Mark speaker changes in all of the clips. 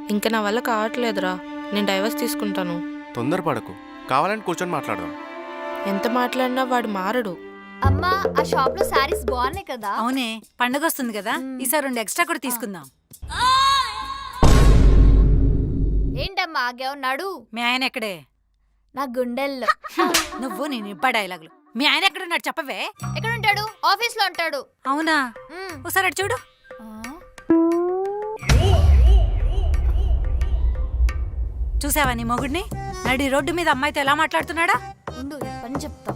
Speaker 1: ఇంకా నా వల్ల కావట్లేదురా, నేను డైవర్స్ తీసుకుంటాను.
Speaker 2: తొందరపడకు, కావాలని కూర్చొని మాట్లాడదాం.
Speaker 1: ఎంత మాట్లాడినా వాడు మారడు.
Speaker 3: అమ్మా ఆ షాప్ లో సారీస్ బాగున్నాయి కదా.
Speaker 4: అవునే, పండగ వస్తుంది కదా, ఈసారి 2 ఎక్స్ట్రా కూడా తీసుకుందాం.
Speaker 3: ఏంటమ్మా ఆగావు? నడు.
Speaker 4: మీ ఆయన ఎక్కడే?
Speaker 3: నా గుండెల్లో.
Speaker 4: నువ్వు నేను ఇబ్బా డైలాగులు. మీ ఆయన ఎక్కడున్నాడు చెప్పవే.
Speaker 3: ఎక్కడ ఉంటాడు? ఆఫీస్ లో ఉంటాడు.
Speaker 4: అవునా, ఒకసారి అటు చూడు. చూసావా నీ మొగుడిని? నడి రోడ్డు మీద అమ్మాయితో ఎలా మాట్లాడుతున్నాడా?
Speaker 3: ఉండు పని చెప్తా.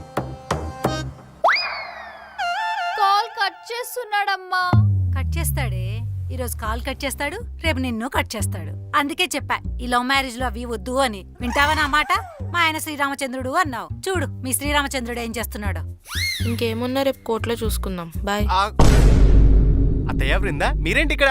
Speaker 3: కాల్ కట్ చేస్తున్నాడమ్మా.
Speaker 4: కట్ చేస్తాడే, ఈరోజు కాల్ కట్ చేస్తాడు, రేపు నిన్ను కట్ చేస్తాడు. అందుకే చెప్పా ఈ లవ్ మ్యారేజ్ లో అవి వద్దు అని. వింటావా నా మాట? మా ఆయన శ్రీరామచంద్రుడు అన్నావు, చూడు మీ శ్రీరామచంద్రుడు ఏం చేస్తున్నాడు.
Speaker 1: ఇంకేమున్నా రేపు కోర్టులో చూసుకుందాం. బాయ్.
Speaker 2: అత్తయ్య బృందా, మీరేంటి ఇక్కడ?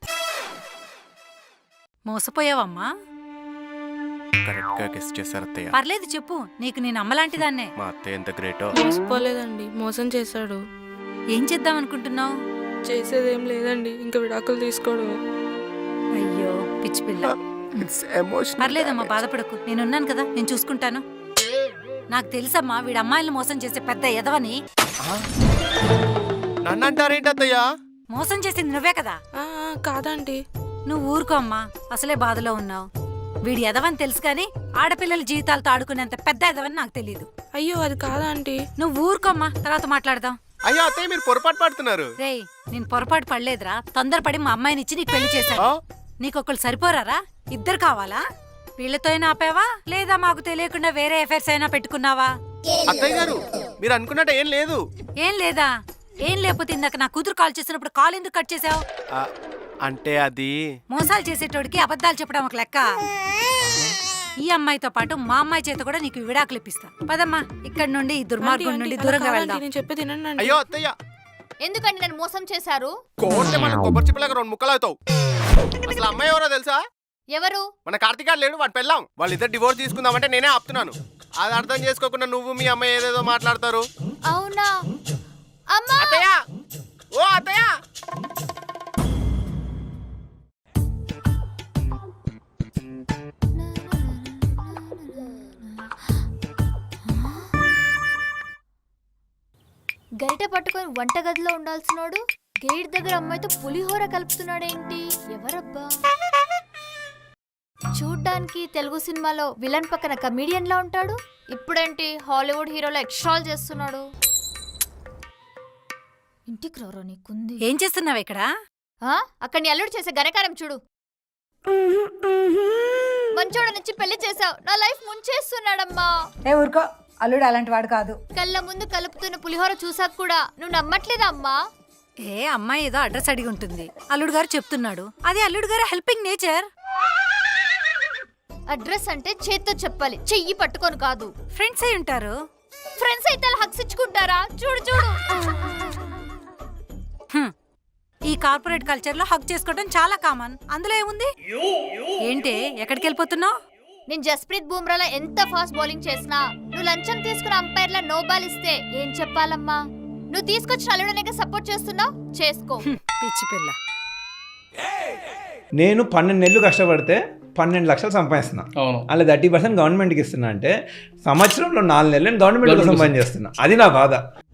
Speaker 4: మోసపోయావమ్మా.
Speaker 2: కరెక్ట్ గా గెస్ చేశారు అత్తయ్య.
Speaker 4: పర్లేదు చెప్పు, నీకు నేను అమ్మలాంటిదాన్నే.
Speaker 2: మా అత్తయ్య ఎంత గ్రేటో.
Speaker 1: మోసపోలేదండి, మోసం చేశాడు.
Speaker 4: ఏం చేద్దాం అనుకుంటున్నావు?
Speaker 1: చేసేదేం లేదండి, ఇంకా విడాకులు తీసుకోవడమే.
Speaker 4: అయ్యో పిచ్చి పిల్ల. పర్లేదమ్మా, బాధపడకు, నేనున్నాను కదా, నేను చూసుకుంటాను. నాకు తెలుసమ్మా వీడి అమ్మాయిలను మోసం చేసే పెద్ద ఎదవని.
Speaker 2: నన్ను అంటారేంటి అత్తయ్య?
Speaker 4: మోసం చేసింది నువ్వే కదా.
Speaker 1: కాదండి.
Speaker 4: నువ్వు ఊరుకో అమ్మా, అసలే బాధలో ఉన్నావు. వీడి ఎదవని తెలుసు కానీ ఆడపిల్లల జీవితాలతో ఆడుకునేంత పెద్ద ఎదవని నాకు తెలియదు.
Speaker 1: అయ్యో అది కాదండి.
Speaker 4: నువ్వు ఊరుకోమ్మా, తర్వాత మాట్లాడదాం.
Speaker 2: అయ్యో అత్తయ్య, మీరు పొరపాటు పడుతున్నారు.
Speaker 4: రేయ్, నేను పొరపాటు పడలేదురా, తొందరపడి మా అమ్మాయిని ఇచ్చి నీకు పెళ్లి చేశాను. నీకొకళ్ళు సరిపోరారా? 2 కావాలా? వీళ్ళతో అయినా ఆపావా, లేదా మాకు తెలియకుండా వేరే ఎఫైర్స్ అయినా పెట్టుకున్నావా?
Speaker 2: అత్తయ్య గారు, మీరు అనుకున్నట్టు ఏం లేదు.
Speaker 4: ఏం లేదా? ఏం లేకపోతే ఇందాక నా కూతురు కాల్ చేసినప్పుడు కాల్ ఎందుకు కట్ చేసావు?
Speaker 2: అంటే అది
Speaker 4: మోసాలు చేసేటోడికి అబద్ధాలు చెప్పడం ఒక లెక్క. ఈ అమ్మాయితో పాటు మా అమ్మాయి చేత కూడా నీకు విడాకులు ఇప్పిస్తా. పదమ్మా, ఇక్కడ నుండి ఈ దుర్మార్గం నుండి దూరంగా వెళ్దాం.
Speaker 1: నేను చెప్పేది వినండి.
Speaker 2: అయ్యో అత్తయ్య,
Speaker 3: ఎందుకండి నన్ను మోసం చేశారు?
Speaker 2: కోర్టే మన కొబ్బరి చిప్పలాగా 2 ముక్కలు అవుతావు. అసలు అమ్మాయి ఎవరో తెలుసా?
Speaker 3: ఎవరు?
Speaker 2: మన కార్తీక్ లేడు, వాడు పెళ్ళాం. వాళ్ళిద్దరు డివోర్స్ తీసుకుందామంటే నేనే ఆపుతున్నాను. అది అర్థం చేసుకోకుండా నువ్వు మీ అమ్మాయి ఏదేదో మాట్లాడతారు.
Speaker 3: అవునా? అమ్మా
Speaker 2: అత్తయ్య, ఓ అత్తయ్య.
Speaker 3: గరిట పట్టుకొని వంటగదిలో ఉండాల్సినోడు గేట్ దగ్గర అమ్మాయితో పులిహోర కలుపుతున్నాడేంటి? ఎవరబ్బా? చూడ్డానికి తెలుగు సినిమాలో విలన్ పక్కన కమీడియన్ లా ఉంటాడు, ఇప్పుడేంటి హాలీవుడ్ హీరోలో ఎక్స్ట్రాల్ చేస్తున్నాడు. ఇంటికి రారో నీకుంది.
Speaker 4: ఏం చేస్తున్నావు ఇక్కడ?
Speaker 3: అక్కడ నీ అల్లుడు చేసే ఘనకారం చూడు. మంచోడ నుంచి పెళ్లి చేసావు, నా లైఫ్ ముంచేస్తున్నాడమ్మా.
Speaker 4: ఊరుకో, అల్లుడు అలాంటి వాడు కాదు.
Speaker 3: కళ్ళ ముందు కలుపుతున్న పులిహోర చూసాక కూడా నువ్వు నమ్మట్లేదా అమ్మా?
Speaker 4: అమ్మాయి ఏదో అడ్రస్ అడిగి ఉంటుంది, అల్లుడు గారు చెప్తున్నాడు. అది అల్లుడు గారు హెల్పింగ్ నేచర్.
Speaker 3: అడ్రస్ అంటే చేత్తో చెప్పాలి, చెయ్యి పట్టుకొని కాదు.
Speaker 4: ఫ్రెండ్స్ అయి ఉంటారు.
Speaker 3: ఫ్రెండ్స్ అయితే హక్స్ ఇచ్చుకుంటారా? చూడు చూడు.
Speaker 4: ఈ కార్పొరేట్ కల్చర్ లో హక్ చేసుకోవడం చాలా కామన్, అందులో ఏముంది? ఏంటి ఎక్కడికి వెళ్ళిపోతున్నావు?
Speaker 3: నేను జస్ప్రీత్ బూమ్రాలో ఎంత ఫాస్ట్ బౌలింగ్ చేసినా నువ్వు లంచం తీసుకున్న అంపైర్ లా నో బాల్ ఇస్తే ఏం చెప్పాలమ్మా? నువ్వు తీసుకొచ్చిన అల్లుడనే సపోర్ట్ చేస్తున్నావు, చేసుకో.
Speaker 4: పిచ్చి పిల్ల.
Speaker 5: నేను 12 నెలలు కష్టపడితే 12 లక్షలు సంపాదిస్తున్నా. అలా 30% గవర్నమెంట్కి ఇస్తున్నా అంటే సంవత్సరంలో 4 నెలలు గవర్నమెంట్ కోసం పని చేస్తున్నా. అది నా బాధ.